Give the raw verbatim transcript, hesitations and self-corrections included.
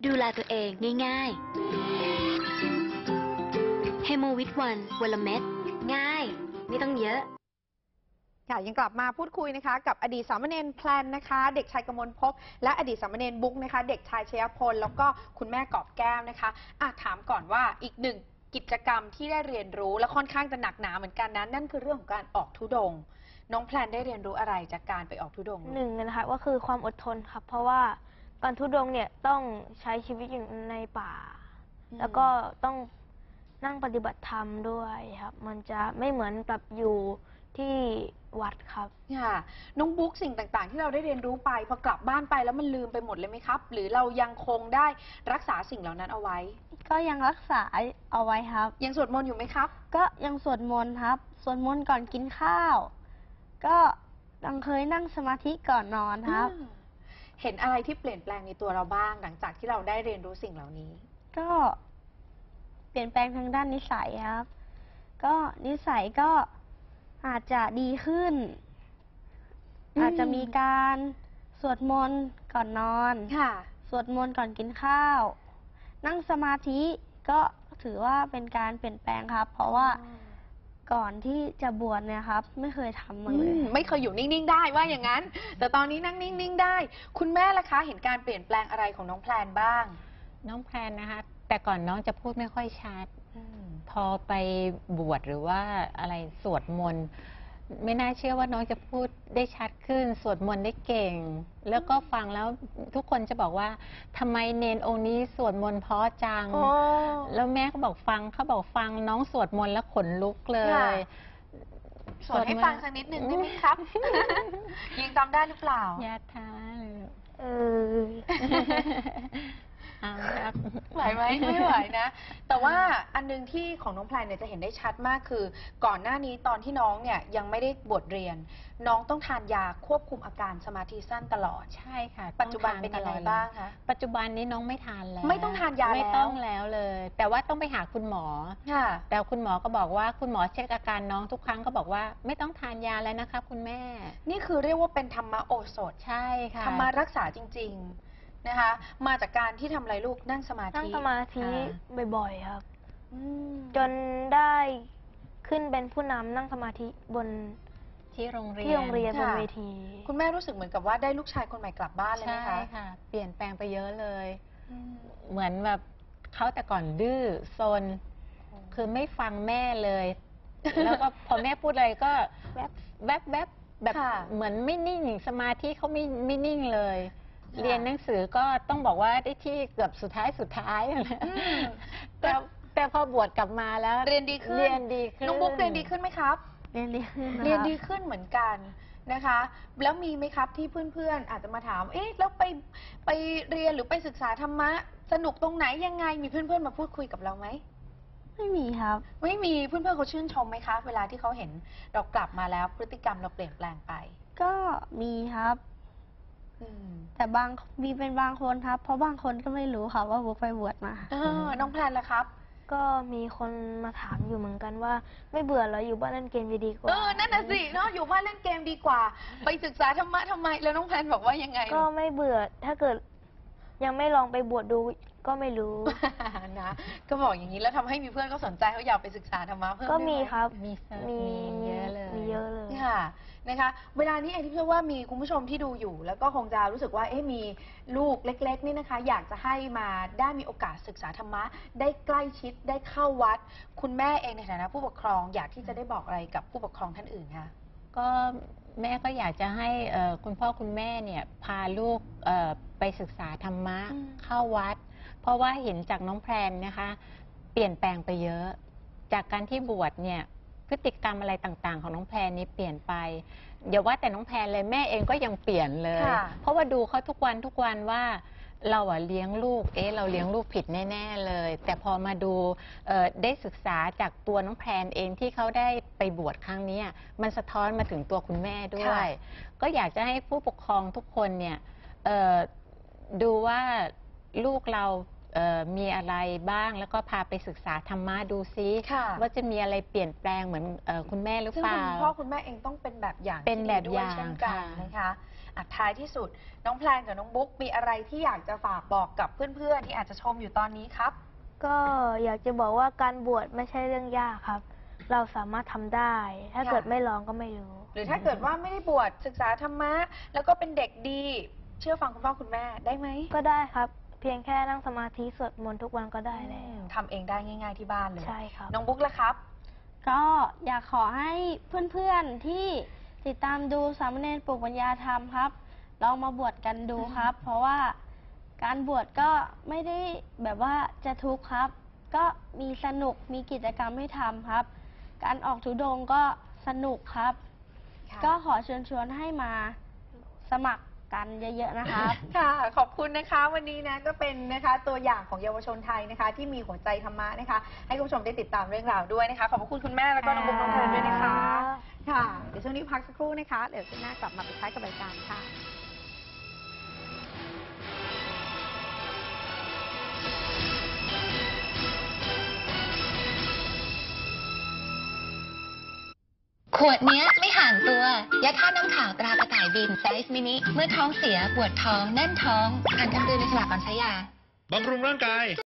ดูแลตัวเองง่ายๆ เฮโมวิตวันวันละเม็ดง่ายไม่ต้องเยอะค่ะยังกลับมาพูดคุยนะคะกับอดีตสามเณรแพลนนะคะ เด็กชายกมลภพและอดีตสามเณรบุ๊กนะคะ เด็กชายชยพลแล้วก็คุณแม่กอบแก้วนะคะอ่ะถามก่อนว่าอีกหนึ่งกิจกรรมที่ได้เรียนรู้และค่อนข้างจะหนักหนาเหมือนกันนะนั่นคือเรื่องของการออกธุดงค์น้องแพลนได้เรียนรู้อะไรจากการไปออกธุดงค์หนึ่งนะคะก็คือความอดทนครับเพราะว่าการทุดงค์เนี่ยต้องใช้ชีวิตอยู่ในป่า แล้วก็ต้องนั่งปฏิบัติธรรมด้วยครับมันจะไม่เหมือนกับอยู่ที่วัดครับค่ะน้องบุ๊กสิ่งต่างๆที่เราได้เรียนรู้ไปพอกลับบ้านไปแล้วมันลืมไปหมดเลยไหมครับหรือเรายังคงได้รักษาสิ่งเหล่านั้นเอาไว้ก็ยังรักษาเอาไว้ครับยังสวดมนต์อยู่ไหมครับก็ยังสวดมนต์ครับสวดมนต์ก่อนกินข้าวก็ยังเคยนั่งสมาธิก่อนนอนครับเห็นอะไรที่เปลี่ยนแปลงในตัวเราบ้างหลังจากที่เราได้เรียนรู้สิ่งเหล่านี้ก็เปลี่ยนแปลงทางด้านนิสัยครับก็นิสัยก็อาจจะดีขึ้นอาจจะมีการสวดมนต์ก่อนนอนค่ะสวดมนต์ก่อนกินข้าวนั่งสมาธิก็ถือว่าเป็นการเปลี่ยนแปลงครับเพราะว่าก่อนที่จะบวชเนี่ยครับไม่เคยทำมาเลยไม่เคยอยู่นิ่งๆได้ว่าอย่างนั้นแต่ตอนนี้นั่งนิ่งๆได้คุณแม่ล่ะคะเห็นการเปลี่ยนแปลงอะไรของน้องแพลนบ้างน้องแพลนนะคะแต่ก่อนน้องจะพูดไม่ค่อยชัดพอไปบวชหรือว่าอะไรสวดมนต์ไม่น่าเชื่อว่าน้องจะพูดได้ชัดขึ้นสวดมนต์ได้เก่งแล้วก็ฟังแล้วทุกคนจะบอกว่าทำไมเนนองค์นี้สวดมนต์เพราะจังแล้วแม่ก็บอกฟังเขาบอกฟังน้องสวดมนต์แล้วขนลุกเลยสวดให้ฟังสักนิดหนึ่งได้ไหมครับยังจำได้หรือเปล่ายาทาเออไหวไหมไม่ไหวนะแต่ว่าอันนึงที่ของน้องแพลนเนี่ยจะเห็นได้ชัดมากคือก่อนหน้านี้ตอนที่น้องเนี่ยยังไม่ได้บวชเรียนน้องต้องทานยาควบคุมอาการสมาธิสั้นตลอดใช่ค่ะปัจจุบันเป็นยังไงบ้างคะปัจจุบันนี้น้องไม่ทานแล้วไม่ต้องทานยาแล้วไม่ต้องแล้วเลย แต่ว่าต้องไปหาคุณหมอค่ะแต่คุณหมอก็บอกว่าคุณหมอเช็คอาการน้องทุกครั้งก็บอกว่าไม่ต้องทานยาแล้วนะคะคุณแม่นี่คือเรียกว่าเป็นธรรมโอสถใช่ค่ะธรรมรักษาจริงๆนะคะมาจากการที่ทำอะไรลูกนั่งสมาธินั่งสมาธิบ่อยๆครับจนได้ขึ้นเป็นผู้นำนั่งสมาธิบนที่โรงเรียนที่โรงเรียนบนเวทีคุณแม่รู้สึกเหมือนกับว่าได้ลูกชายคนใหม่กลับบ้านเลยไหมคะใช่ค่ะเปลี่ยนแปลงไปเยอะเลยเหมือนแบบเขาแต่ก่อนดื้อซนคือไม่ฟังแม่เลยแล้วก็พอแม่พูดอะไรก็แวบแวบแวบแบบเหมือนไม่นิ่งสมาธิเขาไม่ไม่นิ่งเลยเรียนหนังสือก็ต้องบอกว่าได้ที่เกือบสุดท้ายสุดท้ายแต่แต่พอบวชกลับมาแล้วเรียนดีขึ้นเรียนดีขึ้นน้องบุ๊กเรียนดีขึ้นไหมครับเรียนดีขึ้นเรียนดีขึ้นเหมือนกันนะคะแล้วมีไหมครับที่เพื่อนๆอาจจะมาถามเอ๊ะแล้วไปไปเรียนหรือไปศึกษาธรรมะสนุกตรงไหนยังไงมีเพื่อนๆมาพูดคุยกับเราไหมไม่มีครับไม่มีเพื่อนๆเขาชื่นชมไหมคะเวลาที่เขาเห็นเรากลับมาแล้วพฤติกรรมเราเปลี่ยนแปลงไปก็มีครับแต่บางมีเป็นบางคนครับเพราะบางคนก็ไม่รู้ค่ะว่าบุ๊กไปบวชมาเออน้องแพลนล่ะครับก็มีคนมาถามอยู่เหมือนกันว่าไม่เบื่อเหรออยู่บ้านเล่นเกมดีกว่าเออนั่นน่ะสิเนาะอยู่บ้านเล่นเกมดีกว่าไปศึกษาธรรมะทำไมแล้วน้องแพลนบอกว่ายังไงก็ไม่เบื่อถ้าเกิดยังไม่ลองไปบวชดูก็ไม่รู้นะก็บอกอย่างนี้แล้วทำให้มีเพื่อนเขาสนใจเขาอยากไปศึกษาธรรมะเพิ่มก็มีครับมีมีเยอะเลยมีเยอะเลยค่ะนะคะเวลานี้เองที่เชื่อว่ามีคุณผู้ชมที่ดูอยู่แล้วก็คงจะรู้สึกว่าเอ๊ะมีลูกเล็กๆนี่นะคะอยากจะให้มาได้มีโอกาสศึกษาธรรมะได้ใกล้ชิดได้เข้าวัดคุณแม่เองในฐานะผู้ปกครองอยากที่จะได้บอกอะไรกับผู้ปกครองท่านอื่นคะก็แม่ก็อยากจะให้คุณพ่อคุณแม่เนี่ยพาลูกไปศึกษาธรรมะเข้าวัดเพราะว่าเห็นจากน้องแพรนนะคะเปลี่ยนแปลงไปเยอะจากการที่บวชเนี่ยพฤติกรรมอะไรต่างๆของน้องแพรนี้เปลี่ยนไปอย่าว่าแต่น้องแพรเลยแม่เองก็ยังเปลี่ยนเลยเพราะว่าดูเขาทุกวันทุกวันว่าเราอะเลี้ยงลูกเอ๊ะเราเลี้ยงลูกผิดแน่ๆเลยแต่พอมาดูได้ศึกษาจากตัวน้องแพรเองที่เขาได้ไปบวชครั้งนี้มันสะท้อนมาถึงตัวคุณแม่ด้วยก็อยากจะให้ผู้ปกครองทุกคนเนี่ยดูว่าลูกเรามีอะไรบ้างแล้วก็พาไปศึกษาธรรมะดูซิว่าจะมีอะไรเปลี่ยนแปลงเหมือนคุณแม่หรือเปล่าซึ่งคุณพ่อคุณแม่เองต้องเป็นแบบอย่างเป็นแบบอย่างเช่นกันนะคะอัดท้ายที่สุดน้องแพลนกับน้องบุ๊กมีอะไรที่อยากจะฝากบอกกับเพื่อนๆที่อาจจะชมอยู่ตอนนี้ครับก็อยากจะบอกว่าการบวชไม่ใช่เรื่องยากครับ เราสามารถทำได้ ถ้าค่ะเกิดไม่ลองก็ไม่รู้หรือถ้าเกิดว่าไม่ได้บวชศึกษาธรรมะ แล้วก็เป็นเด็กดี เชื่อฟังคุณพ่อคุณแม่ได้ไหมก็ได้ครับ เพียงแค่นั่งสมาธิสวดมนต์ทุกวันก็ได้แล้วทำเองได้ง่าย ๆที่บ้านเลยใช่ครับน้องบุ๊กล่ะครับก็อยากขอให้เพื่อนๆที่ติดตามดูสามเณรปลูกปัญญาธรรมครับ ลองมาบวชกันดูครับ เพราะว่าการบวชก็ไม่ได้แบบว่าจะทุกข์ครับ ก็มีสนุกมีกิจกรรมให้ทำครับ การออกธุดงค์ก็สนุกครับค่ะก็ขอเชิญชวนให้มาสมัครกันเยอะๆนะครับค่ะ ขอบคุณนะคะ วันนี้นะก็เป็นนะคะตัวอย่างของเยาวชนไทยนะคะ ที่มีหัวใจธรรมะนะคะ ให้คุณผู้ชมได้ติดตามเรื่องราวด้วยนะคะ ขอบพระคุณคุณแม่แล้วก็น้องบุ๊กน้องเพลินด้วยนะคะ ค่ะ เดี๋ยวช่วงนี้พักสักครู่นะคะ เดี๋ยวช่วงหน้ากลับมาปิดท้ายกับรายการค่ะขวดเนี้ยไม่ห่างตัวยาธาตุน้ำขาวตรากระต่ายบินไซส์มินิเมื่อท้องเสียปวดท้องแน่นท้องอ่านคำเตือนในฉลากก่อนใช้ยาบำรุงร่างกาย